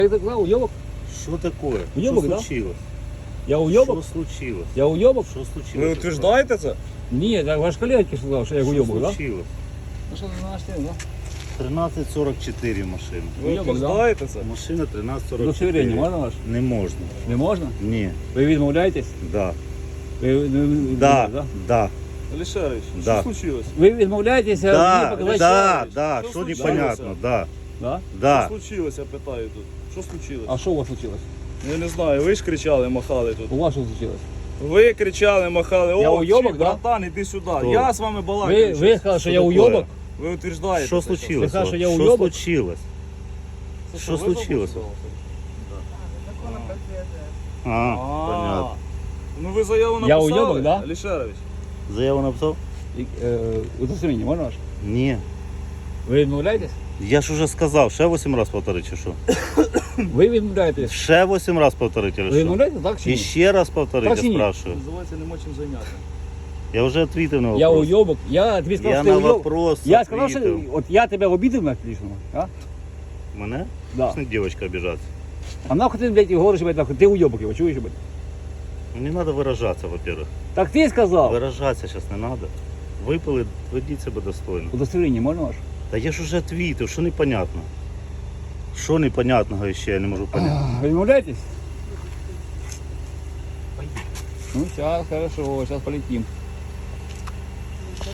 Это сказал, уебок? Что такое? Уебок, Что да? случилось? Я Что уебок? случилось? Я уебок? Что случилось? Ви утверждаєте це? Ні, так ваш колега сказав, що я Что уебок, да? случилось? Ну що ти знаєш, да? 1344 машина. Ви Уйобок, да? утверждаєте це? Машина 1344. Удостоверення можна ваше? Не можна. Не можна? Ні. Ви відмовляєтесь? Да. Ви, Да. да? Да. Алішерович, Да. що случилось? Ви відмовляєтеся мені Да. показати? Да. Да. Що Что случилось? непонятно? Да. Да? Да. Що случилось, я питаю тут. Що случилось? А що у вас случилось? Я не знаю, ви ж кричали, махали тут. У вас що случилось? Ви кричали, махали, Я о, уйобок, чи, да? братан, іди сюди. Хто? Я з вами балакаю. Ви сказали, що я Що уйобок? такое? Ви утверждаєте Что це? случилось? Ты скажешь, вот? я Что уёбок? случилось? Це Що ви случилось? забули? А, понятно. Ну ви заяву Я написали, уйобок, да? Алішерович? Заяву написал? Удостоверення можна ваше? Ні. Ви відмовляєтесь? Я ж уже сказав, ще 8 раз повторити, чи що? Ви відмовляєтесь? Ще 8 раз повторити, Ви чи що? відмовляєтесь, так чи І ні? ще раз повторити, Так чи я ні? спрашиваю. Називається нема чим зайняти. Я вже відповів на вопрос. Я уйобок. Я тобі сказав, Я що ти на уйобок. вопрос Я сказав, що відповів. от я тебе обідав на лічному, а? Мене? Да. Не девочка обижаться. А нахуй ти, блядь, говориш, блядь, нахуй, ти уйобок його, чуєш, блядь? Ну, не надо выражаться, во-первых. Так ти сказав. Выражаться сейчас не надо. Випили, ведіть себе достойно. Удостоверення можна ваше? Та я ж уже отвітив, що непонятно. Що непонятного ще я не можу поняти. Ви відмовляєтесь? Ну, сейчас, хорошо, сейчас полетим.